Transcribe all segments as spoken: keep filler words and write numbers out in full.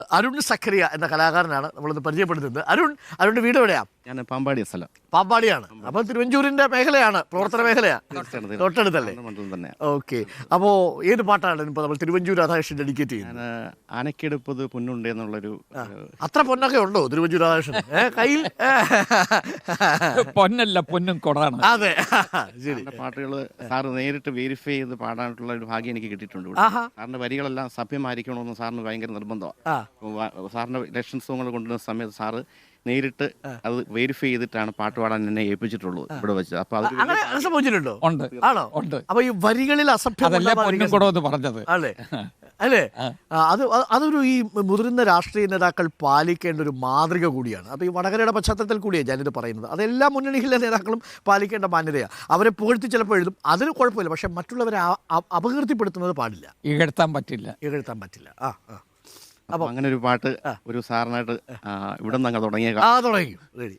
അരുൺ സഖറിയ എന്ന കലാകാരനാണ് നമ്മളിന്ന് പരിചയപ്പെടുത്തുന്നത്. അരുൺ അരുണിന്റെ വീട് എവിടെയാ? ഞാൻ പാമ്പാടി സ്ഥലം പാമ്പാടിയാണ്. അപ്പൊ തിരുവഞ്ചൂരിന്റെ മേഖലയാണ്, പ്രവർത്തന മേഖലയാണ്, തൊട്ടടുത്തല്ലേ? ഓക്കെ. അപ്പോ ഏത് പാട്ടാണ് ഇപ്പൊ നമ്മൾ തിരുവഞ്ചൂർ രാധാകൃഷ്ണൻ ഡെഡിക്കേറ്റ് ചെയ്യുന്നത്? ആനക്കെടുപ്പത് പൊന്നുണ്ട് എന്നുള്ളൊരു. അത്ര പൊന്നൊക്കെ ഉണ്ടോ തിരുവഞ്ചൂർ രാധാകൃഷ്ണൻ കയ്യിൽ? പൊന്നല്ല, പൊന്നും കൊടാണ്. അതെ, ശരി. പാട്ടുകൾ സാറ് നേരിട്ട് വെരിഫൈ ചെയ്ത് പാടാനുള്ള ഒരു ഭാഗ്യം എനിക്ക് കിട്ടിയിട്ടുണ്ട്. സാറിന്റെ വരികളെല്ലാം സഭ്യമായിരിക്കണമെന്ന് സാറിന് ഭയങ്കര നിർബന്ധമാണ്. സാറിന്റെ ഇലക്ഷൻ സോങ്ങുകൾ കൊണ്ടുവരുന്ന സമയത്ത് സാറ് നേരിട്ട് അത് വെരിഫൈ ചെയ്തിട്ടാണ് പാട്ട് പാടാൻ എന്നെ ഏൽപ്പിച്ചിട്ടുള്ളത് ഇവിടെ വെച്ച്. അപ്പൊ അത് സംഭവിച്ചിട്ടുണ്ടോ? ഉണ്ട്, ആണോ? ഉണ്ട്. അപ്പൊ ഈ വരികളിൽ അസഭ്യം പറഞ്ഞത് അല്ലേ അല്ലേ അത് അതൊരു ഈ മുതിർന്ന രാഷ്ട്രീയ നേതാക്കൾ പാലിക്കേണ്ട ഒരു മാതൃക കൂടിയാണ്. അപ്പോൾ ഈ വടകരയുടെ പശ്ചാത്തലത്തിൽ കൂടിയാണ് ഞാനിത് പറയുന്നത്. അതെല്ലാ മുന്നണിയിലെ നേതാക്കളും പാലിക്കേണ്ട മാന്യതയാണ്. അവരെ പുകഴ്ത്തി ചിലപ്പോൾ എഴുതും, അതിന് കുഴപ്പമില്ല. പക്ഷെ മറ്റുള്ളവരെ അപകീർത്തിപ്പെടുത്തുന്നത് പാടില്ല, ഇകഴ്ത്താൻ പറ്റില്ല, ഇകഴ്ത്താൻ പറ്റില്ല. ആ ആ അപ്പൊ അങ്ങനെ ഒരു പാട്ട് ഒരു സാറിനായിട്ട് ഇവിടെ നിന്ന് അങ്ങ് തുടങ്ങിയ ആ തുടങ്ങി റെഡി.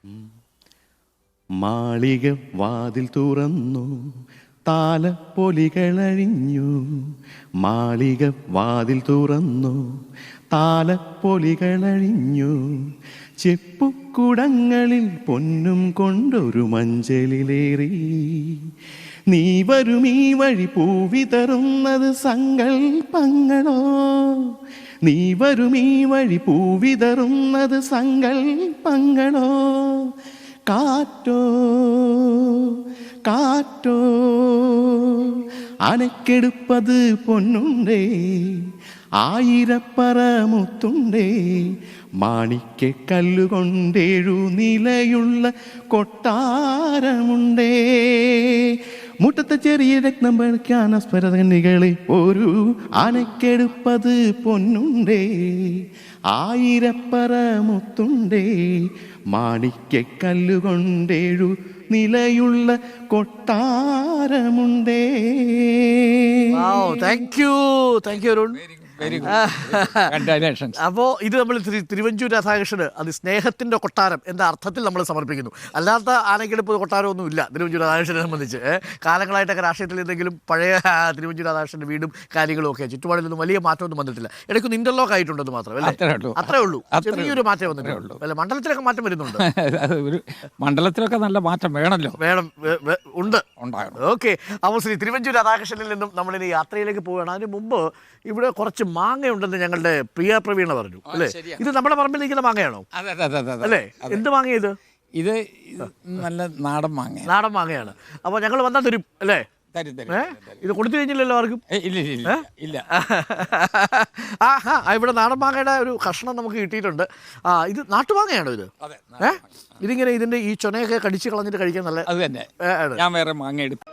മാളിക വാതിൽ തുറന്നു, താലപ്പൊലികളഴിഞ്ഞു. മാളിക വാതിൽ തുറന്നു, താലപ്പൊലികളഴിഞ്ഞു. ചെപ്പുക്കുടങ്ങളിൽ പൊന്നും കൊണ്ടൊരു മഞ്ചലിലേറി. നീ വരും ഈ വഴി പൂവിതറുന്നത് സങ്കൽപ്പങ്ങളോ. നീ വരും ഈ വഴി പൂവിതറുന്നത് സങ്കൽപ്പങ്ങളോ. കാറ്റോ കാറ്റോ അനക്കെടുപ്പത് പൊന്നുണ്ടേ, ആയിരപ്പറ മുത്തുണ്ടേ. മാണിക്ക കല്ലുകൊണ്ടേഴു നിലയുള്ള കൊട്ടാരമുണ്ടേ. മുറ്റത്തെ ചെറിയ രത്നം പണിക്കാൻ അസ്പരകനികളെ ഒരു അനക്കെടുപ്പത് പൊന്നുണ്ടേ, ആയിരപ്പറ മുത്തുണ്ടേ. മാണിക്ക കല്ലുകൊണ്ടേഴു നിലയുള്ള കൊട്ടാരമുണ്ടേ. Thank you thank you Arun. അപ്പോ ഇത് നമ്മൾ തിരുവഞ്ചൂർ രാധാകൃഷ്ണന് അത് സ്നേഹത്തിന്റെ കൊട്ടാരം എന്ന അർത്ഥത്തിൽ നമ്മൾ സമർപ്പിക്കുന്നു. അല്ലാത്ത ആനക്കെടുപ്പ് കൊട്ടാരമൊന്നും ഇല്ല തിരുവഞ്ചൂർ രാധാകൃഷ്ണനെ സംബന്ധിച്ച്. കാലങ്ങളായിട്ടൊക്കെ രാഷ്ട്രീയത്തിൽ എന്തെങ്കിലും പഴയ തിരുവഞ്ചൂർ രാധാകൃഷ്ണന്റെ വീടും കാര്യങ്ങളും ഒക്കെ ചുറ്റുപാടിലൊന്നും വലിയ മാറ്റമൊന്നും വന്നിട്ടില്ല. ഇടയ്ക്കൊന്ന് ഇന്റർലോക്ക് ആയിട്ടുണ്ടെന്ന് മാത്രം അല്ലേ? അത്രേ ഉള്ളൂ, ചെറിയൊരു മാറ്റം വന്നിട്ടുള്ളൂ. അല്ല, മണ്ഡലത്തിലൊക്കെ മാറ്റം വരുന്നുണ്ട്. ഒരു മണ്ഡലത്തിലൊക്കെ നല്ല മാറ്റം വേണമല്ലോ, വേണം, ഉണ്ട്, ഉണ്ടാകണം. ഓക്കെ. അപ്പോൾ ശ്രീ തിരുവഞ്ചൂർ രാധാകൃഷ്ണനിൽ നിന്നും നമ്മളിനി യാത്രയിലേക്ക് പോവുകയാണ്. അതിന് മുമ്പ് ഇവിടെ കുറച്ച് മാങ്ങയുണ്ടെന്ന് ഞങ്ങളുടെ പ്രിയ പ്രവീണ പറഞ്ഞു അല്ലേ? ഇത് നമ്മുടെ പറമ്പിൽ നിൽക്കുന്ന മാങ്ങയാണോ അല്ലേ? എന്ത് മാങ്ങ ഇത്? ഇത് നല്ല നാടൻ മാങ്ങ, നാടൻ മാങ്ങയാണ്. അപ്പോൾ ഞങ്ങൾ വന്നാൽ തരും അല്ലേ? ഇത് കൊടുത്തു കഴിഞ്ഞില്ലല്ലോ ആർക്കും? ഇല്ല. ആ ഹാ ഇവിടെ നാടൻ മാങ്ങയുടെ ഒരു കഷ്ണം നമുക്ക് കിട്ടിയിട്ടുണ്ട്. ആ ഇത് നാട്ടുമാങ്ങയാണോ ഇത്? ഏഹ് ഇതിങ്ങനെ ഇതിന്റെ ഈ ചൊനയൊക്കെ കടിച്ച് കളഞ്ഞിട്ട് കഴിക്കാൻ നല്ല. അത് തന്നെ, ഞാൻ വേറെ മാങ്ങ എടുത്തു.